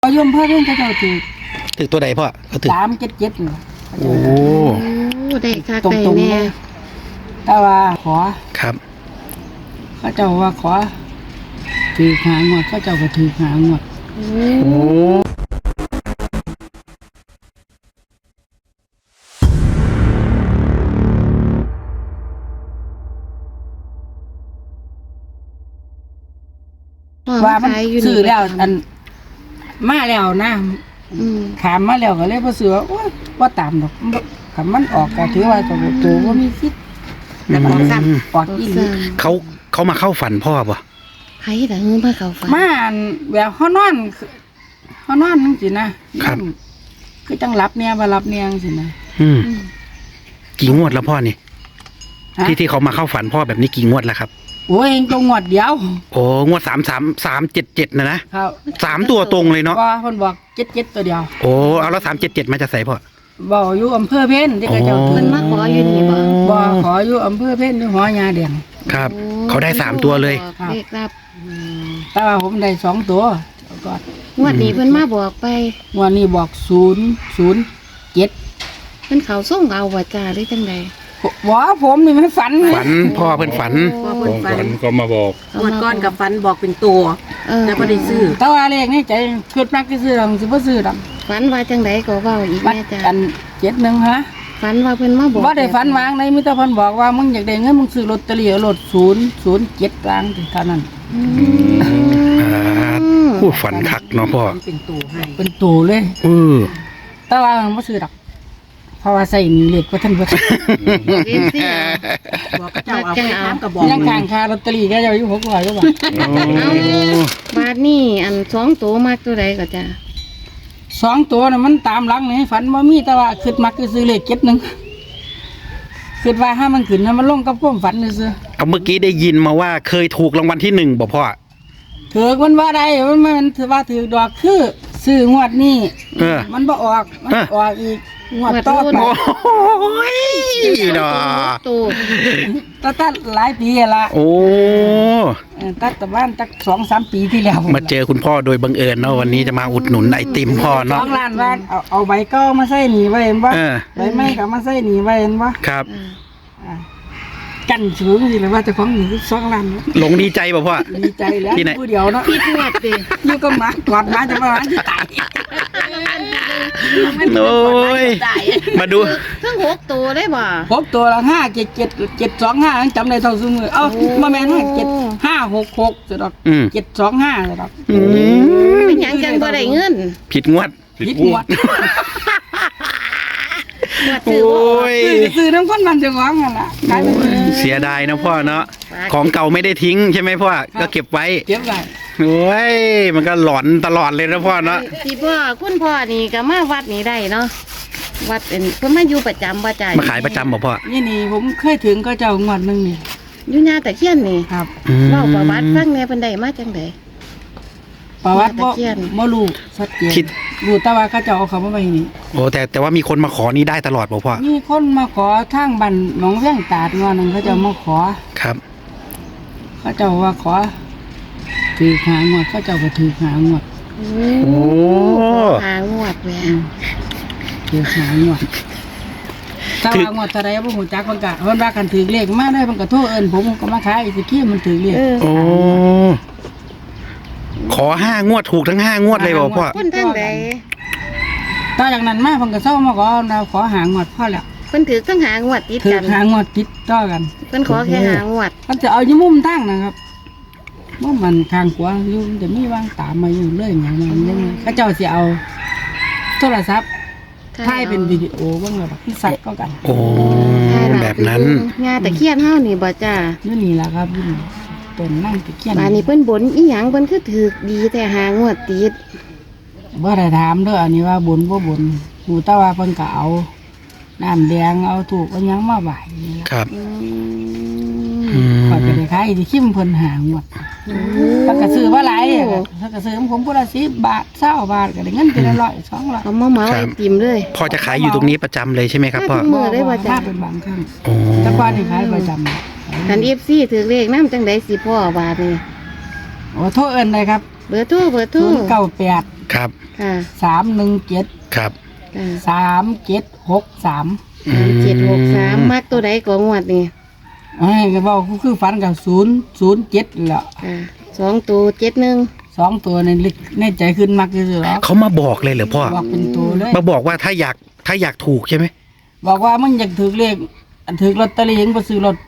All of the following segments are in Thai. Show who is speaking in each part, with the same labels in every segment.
Speaker 1: โยมพ่อเรื่องเขาเจ้า
Speaker 2: ถือตัวใดพ่อเขาถือ
Speaker 1: 377นี่
Speaker 2: โอ้
Speaker 3: ได้ค่ะ
Speaker 1: ตร
Speaker 3: ได้
Speaker 1: งๆ
Speaker 3: แน่
Speaker 1: เลยแต่ว่าขอ
Speaker 2: ครับ
Speaker 1: เขาเจ้าว่าขอถือหางวดเขาเจ้าก็ถือหางวด
Speaker 3: โอ้
Speaker 2: โอ้
Speaker 1: ว่ามัน
Speaker 3: ขายยู่
Speaker 1: ซื้อแล้วอันมาแล้วนะ
Speaker 3: อืม
Speaker 1: ถามมาแล้วก็เลยบ่ซื้อว่าโอ๊ยบ่ตามดอกถ้ามันออกก็ถือว่าตัวบ่มีสิทธิ์แต่มันซ้ำออกอีหลี
Speaker 2: เขามาเข้าฝันพ่อป่ะ
Speaker 3: ไผล่ะเฮือมาเข้าฝัน
Speaker 1: มาอันแบบเฮานอนจังซี่นะครับ คือจังหลับเนี่ยบ่หลับเนี่ยจังซี่นะ
Speaker 2: อืม
Speaker 3: อืม
Speaker 2: กี่งวดแล้วพ่อนี่
Speaker 1: ฮะ
Speaker 2: ที่เขามาเข้าฝันพ่อแบบนี้กี่งวดแล้วครับ
Speaker 1: โอ้ยตรงงวดเดียว
Speaker 2: โอ้งวด377นะครับ 3ตัวตรงเลยเนาะ
Speaker 1: ว่าเพิ่นบอก77ตัวเดียว
Speaker 2: โอ้เอาแล้ว377มาจะใส่พ่อ
Speaker 1: บ่อยู่อำเภอเพ็ญที่เขาเจ้า
Speaker 2: อ๋อ
Speaker 3: เพิ่นมาขออยู่นี่บ่
Speaker 1: บ่ขออยู่อำเภอเพ็ญอยู่หอยาแดง
Speaker 2: ครับ
Speaker 3: โอ้
Speaker 2: เขาได้3ตัวเลย
Speaker 3: บอกเลขรับ
Speaker 1: แต่ว่าผมได้2ตัวก็
Speaker 3: งวดนี้เพิ่นมาบอกไป
Speaker 1: งวดนี้บอก007
Speaker 3: เพิ่นเขาส่งเอาว่าจ้าหรือจังใด
Speaker 1: ว่าผมนี่มันฝันไหม
Speaker 2: ฝันพ่อเพิ่นฝัน
Speaker 3: พ่อ
Speaker 4: ข
Speaker 3: เพิ่น
Speaker 4: อง
Speaker 3: ฝั
Speaker 4: ฝั
Speaker 3: น
Speaker 4: นก็มาบอก
Speaker 3: เขา
Speaker 5: งวด
Speaker 3: มา
Speaker 5: ก้อนกับฟันบอกเป็นตัว แต่บ่ได้ซื้อ
Speaker 1: แต่ว่าเลขนี่ใจคิดมักสิซื้อดอกสิบ่ซื้อดอก
Speaker 3: ฝันว่าจังใดก็เว้าอีก
Speaker 1: มัน
Speaker 3: แม่จ้า
Speaker 1: อัน71ฮะ
Speaker 3: ฝันว่าเพิ่นมาบอก
Speaker 1: บ่ได้ฝันวางในมีแต่เพิ่นบอกว่ามึงอยากได้เงินมึงซื้อลอตเตอรี่เอารถ007ล้านเท่านั้น
Speaker 3: อืม
Speaker 2: ผู้ฝันคักเนาะพ่อ
Speaker 5: มันเป็นตัวให้
Speaker 1: เป็นตัวเลย แต่ว่ามันบ่ซื้อดอกเพราะว่าใส่นี่เลขบ่ทันเบิด
Speaker 3: เรียนสิ
Speaker 5: บอกกับเจ้าเอาไปถามกับบอก
Speaker 1: ยังกลางค่าลอตเตอรี่ก็อยู่600กว่าบาท
Speaker 3: บาทนี่อัน2ตัวมากตัวใดก็จ้า
Speaker 1: สองตัวน่ะมันตามหลังนี่ฝันบ่มีแต่ว่าคิดมักสิซื้อเลข71คิดว่าถ้ามันขึ้นถ้ามันลงกับความฝันซื่อ
Speaker 2: เอาเมื่อกี้ได้ยินมาว่าเคยถูกรางวัลที่1บ่พ่อ
Speaker 1: ถือมันว่าได้มันถือว่าถือดอกคือซื้องวดนี้
Speaker 2: เออ
Speaker 1: มันบ่ออกมัน
Speaker 2: เออ
Speaker 1: ออกอีกงวดต่อไป
Speaker 2: โอ้ยเนาะ
Speaker 3: ตัว
Speaker 1: ตัดหลายปีละ
Speaker 2: โอ้
Speaker 1: ตัดแต่บ้านตัก2-3 ปีที่แล้ว
Speaker 2: มาเจอคุณพ่อโดยบังเอิญเนาะวันนี้จะมาอุดหนุนไอติมพ่อ
Speaker 1: ส
Speaker 2: เนาะ
Speaker 1: องล้านว่าเอาใบเก็มาใส่หนีไว้เห็นบ่
Speaker 2: เออ
Speaker 1: ใบไม้ก็มาใส่หนีไว้เห็นบ่
Speaker 2: ครับ
Speaker 1: อ่ากันสูงสิเลยว่าเจ้าของหนี2 ล้าน
Speaker 2: หลงดีใจป่ะพ่อ
Speaker 1: ดีใจแล้ว
Speaker 2: ที่ไหน
Speaker 1: ผู้เดียวเนาะ
Speaker 3: ผิดงวดติ
Speaker 1: อยู่กับหมากอดหมาจะมาหาที่ตาย
Speaker 2: โอ้ยมาดู
Speaker 3: ทั้ง6ตัวได้บ่
Speaker 1: พบตัวละ57725ยังจำได้เท่าซุมือเอ้าบ่แม่น576จะดอก
Speaker 2: อืม
Speaker 1: 725จะดอก
Speaker 2: อืม
Speaker 3: เป็นหยังจังบ่ได้เงิน
Speaker 2: ผิดงวด
Speaker 1: ผิดงวด
Speaker 3: งวด
Speaker 2: โอ
Speaker 3: ซื้อบ่
Speaker 2: ้ย
Speaker 1: ซื้อน้ำข้นมันจะหวังกันล่ะขายไปเลย
Speaker 2: เสียดายนะพ่อเนาะของเก่าไม่ได้ทิ้งใช่ไหมพ่อก็เก็บไว้
Speaker 1: เก็บไว้
Speaker 2: โอ้ยมันก็หลอนตลอดเลยนะพ่อเนาะ
Speaker 3: ที่พ่อคุณพ่อนี่ก็มาวัดนี้ได้เนาะวัดเป็นเพิ่นมาอยู่ประจำบ่จ้า
Speaker 2: มาขายประจำบ่พ่อ
Speaker 1: นี่ผมเคยถึงก็เจ้างวดหนึงนี่
Speaker 3: อยู่หน้าตะเคียนนี่
Speaker 1: ครับ
Speaker 2: อืม
Speaker 3: เล่าประวัติฟังแหน่เพิ่นได้มาจังได๋
Speaker 1: ประวัติบ่
Speaker 3: ตะเคียน
Speaker 1: บ่รู้ชัดเจนรู้แต่ว่าเขาเจ้าเอาเขามาไว้นี่
Speaker 2: โอ้แต่ว่ามีคนมาขอนี่ได้ตลอดบ่พ่อ
Speaker 1: มีคนมาขอทางบ้านหนองเวียงตาดงอนนึงเขาเจ้ามาขอ
Speaker 2: ครับ
Speaker 1: เขาเจ้าว่าขอถือหางวดเขาเจ้าก็ถือหางวด
Speaker 3: โอ้หางวดแหว
Speaker 1: ถือหางวดถ้าว่างวดเท่าใดบ่ฮู้จักเพิ่นก็เพิ่นว่ากันถือเลขมาได้เพิ่นก็โทรเอิ้นผมก็มาขายสิกี้มันถือเลข
Speaker 2: โอ้ขอ5 งวดถูกทั้ง5 งวดเลยบ่พ่อ
Speaker 3: คนทางใด
Speaker 1: ต่อจากนั้นมาเพิ่นก็เซามาขอหางวดพอแล้ว
Speaker 3: เพิ่นถือทั้งหางวดติด
Speaker 1: ถือ
Speaker 3: กัน
Speaker 1: หางวดติดต่อกัน
Speaker 3: เพิ่นขอแค่หางวด
Speaker 1: เขาจะเอาอยู่มุมตั้งนะครับมุมมันข้างขวาอยู่จะมีวางตามมาอยู่เรื่อยอย่างนั้นยังไงเขาเจ้าสิเอาโทรศัพท์ถ่ายเป็นวิดีโอบ้างแบบที่สัตว์ก็กัน
Speaker 2: โอ้แบบนั้น
Speaker 3: งาตะเคียนเฮานี่บ่จ้า
Speaker 1: นี่นี่แหละครับนี่ต้นนั่งตะเคียน
Speaker 3: บาดนี้เพิ่นบ่นอีหยังเพิ่นคือถือดีแต่หางวดติด
Speaker 1: บ่ได้ถามเด้ออันนี้ว่าบุญบ่บุญหูแต่ว่าเพิ่นก็เอาน้ำแดงเอาถูกเอาหยังมาไหว้นี่ล่ะ
Speaker 2: ครับ
Speaker 3: อื
Speaker 2: อื
Speaker 3: ม
Speaker 2: ม
Speaker 1: ก็จะได้ขายที่คิมเพิ่นหางวดเพิ่นก็ซื้อมาหลายอะเพิ่นก็ซื้อของผมพุ่นละ10 บาท20 บาทก็ได้เงินเป็น100 200
Speaker 3: เอามาเหมาไอติมเลย
Speaker 2: พ่อจะขายอยู่ตรงนี้ประจำเลยใช่ไหมครับพ่อ
Speaker 3: มือได้บ่จ้ะ
Speaker 1: มาเป็นบางครั้ง
Speaker 2: โอ้
Speaker 1: แต่ก่อนนี่ขายประจำ
Speaker 3: คัน FC ถือเลขนำจังได๋สิพ่อบาดนี้
Speaker 1: โอ้โทษเอิ้นเลยครับ
Speaker 3: เบอร์โทร
Speaker 1: 098
Speaker 2: ครับ
Speaker 3: ค่ะ
Speaker 1: 317
Speaker 2: ครับ
Speaker 1: 3763
Speaker 3: 763มักตัวใดก็งวดนี่
Speaker 1: ก็บอกคือฝันกับ007แหละ
Speaker 3: ค่ะ2ตัว71
Speaker 1: 2ตัวในใจขึ้นมักที่สุดแล้ว
Speaker 2: เขามาบอกเลยเหรอพ่อ
Speaker 1: บอกเป็นตัวเลย
Speaker 2: มาบอกว่าถ้าอยากถูกใช่ไหม
Speaker 1: บอกว่ามันอยากถือเลขถือลอตเตอรี่ยังไปซื้อรถ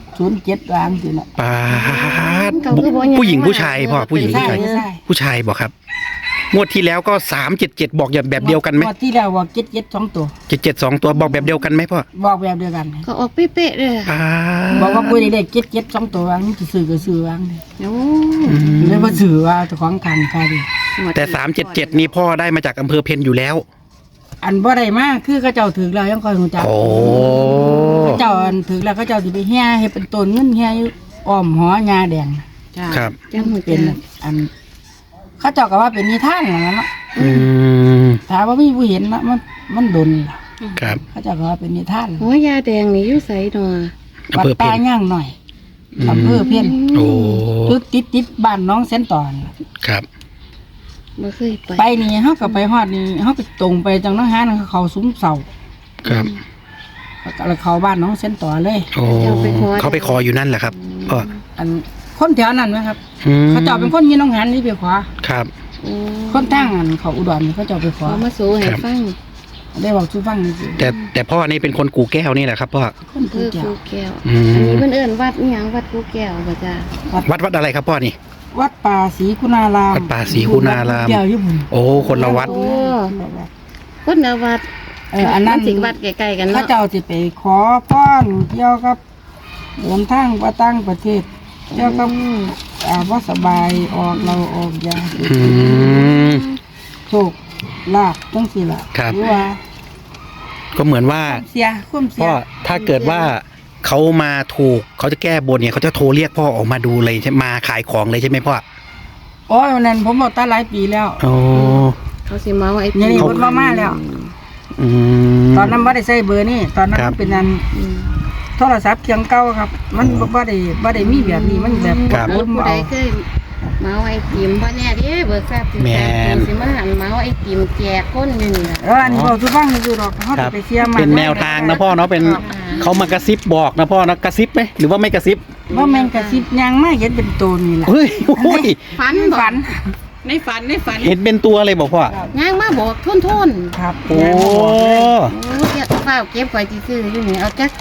Speaker 1: 007ล้านสินะ
Speaker 2: ปาดผู้หญิงผู้ชายพ่อผู้หญิงผู้ชาย
Speaker 1: ใช่
Speaker 2: ผู้ชายบอกครับงวดที่แล้วก็377บอกอย่างแบบเดียวกันไหม
Speaker 1: งวดที่แล้วบอก7 2ตัว
Speaker 2: 77 2ตัวบอกแบบเดียวกันไหมพ่อ
Speaker 1: บอกแบบเดียวกัน
Speaker 3: ก็ออกเป๊ะๆเลย
Speaker 2: ปา
Speaker 1: บอกว่า
Speaker 2: ด
Speaker 1: ปุ้ยได้7 2ตัววางนี่จะซื้อก็ซื้อวางเลย
Speaker 3: โอ้
Speaker 1: เลยว่าซื้อว่าเจ้าของทางใครดิ
Speaker 2: แต่377นี่พ่อได้มาจากอำเภอเพนอยู่แล้ว
Speaker 1: อันบ่ได้มากคือเขาเจ้าถือแล้วยังคอยหูจัก
Speaker 2: โอ้
Speaker 1: เขาเจ้าอันถือแล้วเขาเจ้าสิไปเฮียเฮ็ดเป็นต้นเงินเฮียอยู่อ้อมหอยาแดง
Speaker 5: จ้า
Speaker 2: ครับ
Speaker 3: จังหัว
Speaker 1: เป็นอันเขาเจ้าก็ว่าเป็นนิทานนั่นแหละเนาะ
Speaker 2: อืม
Speaker 1: ถ้าว่ามีผู้เห็นนะมันดนล่ะ
Speaker 2: ครับ
Speaker 1: เขาเจ้าก็ว่าเป็นนิทาน
Speaker 3: หัวยาแดงนี่อยู่ไสเนาะ
Speaker 2: อำ
Speaker 1: วัด
Speaker 2: เภอเพ
Speaker 1: ป่าน ย่างหน่อย
Speaker 2: อืม
Speaker 1: อำเภอเพี้ยน
Speaker 2: โอ้
Speaker 1: จุดติดบ้านน้องเส้นตอน
Speaker 2: ครับ
Speaker 3: บ่เคยไป
Speaker 1: ไปนี่เฮาก็ไปฮอดนี่เฮาก็ตรงไปจังน้องหาเขาซุ้มเสา
Speaker 2: ครับ
Speaker 1: แล้วเข้าบ้านน้องเส้นต่อเลย
Speaker 2: โอ้เขาไปขออยู่นั่นแหละครับพ่อ
Speaker 1: อันคนแถวนั้นไหมครับ
Speaker 2: อืม
Speaker 1: เขาเจ้าเป็นคนยีน้องหันนี่ไปขวา
Speaker 2: ครับ
Speaker 3: โอ้
Speaker 1: คนตั้งอันเขาอุดรนี่เขาเจ้าไปขวา
Speaker 3: เขามาสู้ให้ฟัง
Speaker 1: ได้บอกชูฟังนี่สิ
Speaker 2: แต่พ่อนี่เป็นคนกูแก้วนี่แหละครับพ่อ
Speaker 1: คน
Speaker 3: คื
Speaker 1: ผู้
Speaker 3: อ
Speaker 1: เจ้า
Speaker 3: กูแก้ว
Speaker 2: อืม
Speaker 3: อันนี้เพิ่นเอิ้นวัดอีหยังวัดกูแก้วบ่จ้า
Speaker 2: วัดอะไรครับพ่อนี่
Speaker 1: วัดป่าศรีคุณาราม
Speaker 2: วัดป่าศรีคุณาราม
Speaker 1: เกี่ยวญี่ปุ่น
Speaker 2: โอ้คนละวัด
Speaker 3: โอ้คนละวัด
Speaker 1: อันนั้น
Speaker 3: มัสิวัดใกล้ๆกัน
Speaker 1: เขา
Speaker 3: เนาะ
Speaker 1: เจ้าสิไปขอพรเกี่ยวกับเดินทางไปต่างประเทศเกี่ยวกับว่าสบายออกยา
Speaker 2: อืม
Speaker 1: โชคลาภจังสิล่ะ
Speaker 2: ครับ
Speaker 1: หรือว่า
Speaker 2: ก็เหมือนว่า
Speaker 1: ความเสีย
Speaker 2: พ่อถ้าเกิดว่าเขามาถูกเขาจะแก้บนเนี่ยเขาจะโทรเรียกพ่อออกมาดูเลยใช่มาขายของเลยใช่ไหมพ่อ
Speaker 1: โอ้ยวันนั้นผมบอกตาหลายปีแล้ว
Speaker 2: โอ้
Speaker 3: เขาสิมาว่าไอ้
Speaker 1: เนี่ยนี่เพิ่นมาแล้ว
Speaker 2: อืม
Speaker 1: ตอนนั้นบ่ได้ใช้เบอร์นี่ตอนนั้น
Speaker 2: ครับ
Speaker 1: มันเป็นอัน
Speaker 3: อืม
Speaker 1: โทรศัพท์เครื่องเก่าครับ มันบ่ได้มีแบบนี้มันแบบ
Speaker 2: ครับ
Speaker 1: กด
Speaker 3: ผู้
Speaker 1: มา
Speaker 3: ใด
Speaker 1: เอา
Speaker 3: เคยเมาไอติมบ่แน่เด้เบิกทราบถึง
Speaker 2: แม่น
Speaker 3: สิมาหันเมาไอติมแจกคนอยู่นี่ล่ะ
Speaker 1: อันนี้บอกทุกฟังคือดอกเขา
Speaker 2: ครั
Speaker 1: จะ
Speaker 2: บ
Speaker 1: ไปเสียมา
Speaker 2: เป็นแนวทางนะพ่อเนาะเป็นเขามากระซิบบอกนะพ่อนะกระซิบไหมหรือว่าไม่กระซิบ
Speaker 1: ว่าแม่งกระซิบยังไม่เห็นเป็นตัวนี่ล่ะ
Speaker 2: เฮ้ยโอ้ย
Speaker 3: ฝันบ่
Speaker 1: ฝัน
Speaker 5: ในฝันในฝัน
Speaker 2: เห็นเป็นตัวเลยบอกพ่อ
Speaker 3: ย่างมาบอกทุนๆ
Speaker 1: ครับ
Speaker 2: โอ้
Speaker 1: ยังบ่บอกเลย
Speaker 3: โอ้เก็บเฝ้าเก็บไว้ซื่อๆอยู่นี่เอาจัก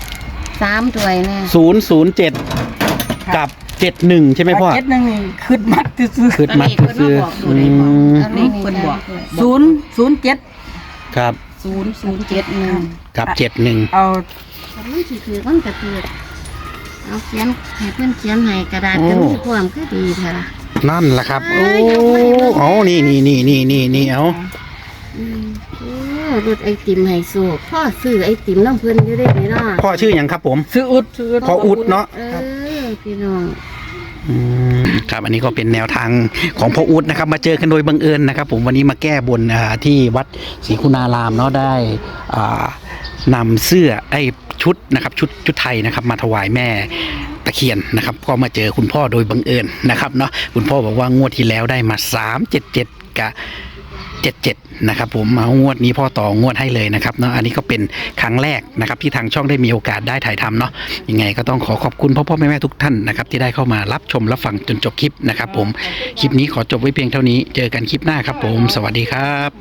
Speaker 3: 3ถ้วยแน่
Speaker 2: 007กับ71ใช่ไหมพ่อ
Speaker 1: เจ็ดหนึงนี่ขึ้นมัดซื่อ
Speaker 2: คืดมัดซื้ออืม
Speaker 3: อันนี้เพิ่นบอก
Speaker 1: 007
Speaker 2: ครับ
Speaker 3: 0071
Speaker 2: กับ71
Speaker 1: เอา
Speaker 3: มันสิคือมันก็คือเอาเขียนให้เพิ่นเขียนให้กระดาษก็มีความคือดีแท้ล่ะ
Speaker 2: นั่นแหละครับ โอ้เอานี่เอา
Speaker 3: โอ้รถไอติมไฮโซพ่อซื้อไอติมน้ำเพิ่นอยู่ได้ไหมเนาะ
Speaker 2: พ่อชื่ออย่างครับผม
Speaker 1: ซื้ออุดซื้ออุด
Speaker 2: พ่ออุดเนาะ
Speaker 3: พี่น้อง
Speaker 2: ครับอันนี้ก็เป็นแนวทางของพ่ออุดนะครับ มาเจอกันโดยบังเอิญนะครับ ผมวันนี้มาแก้บนที่วัดศรีคุณารามเนาะได้นำเสื้อชุดนะครับชุดไทยนะครับ มาถวายแม่ตะเคียนนะครับก็มาเจอคุณพ่อโดยบังเอิญนะครับเนาะคุณพ่อบอกว่างวดที่แล้วได้มา377กับ77นะครับผมมางวดนี้พ่อต่องวดให้เลยนะครับเนาะอันนี้ก็เป็นครั้งแรกนะครับที่ทางช่องได้มีโอกาสได้ถ่ายทำเนาะยังไงก็ต้องขอบคุณพ่อแม่ทุกท่านนะครับที่ได้เข้ามารับชมรับฟังจนจบคลิปนะครับผมคลิปนี้ขอจบไว้เพียงเท่านี้เจอกันคลิปหน้าครับผมสวัสดีครับ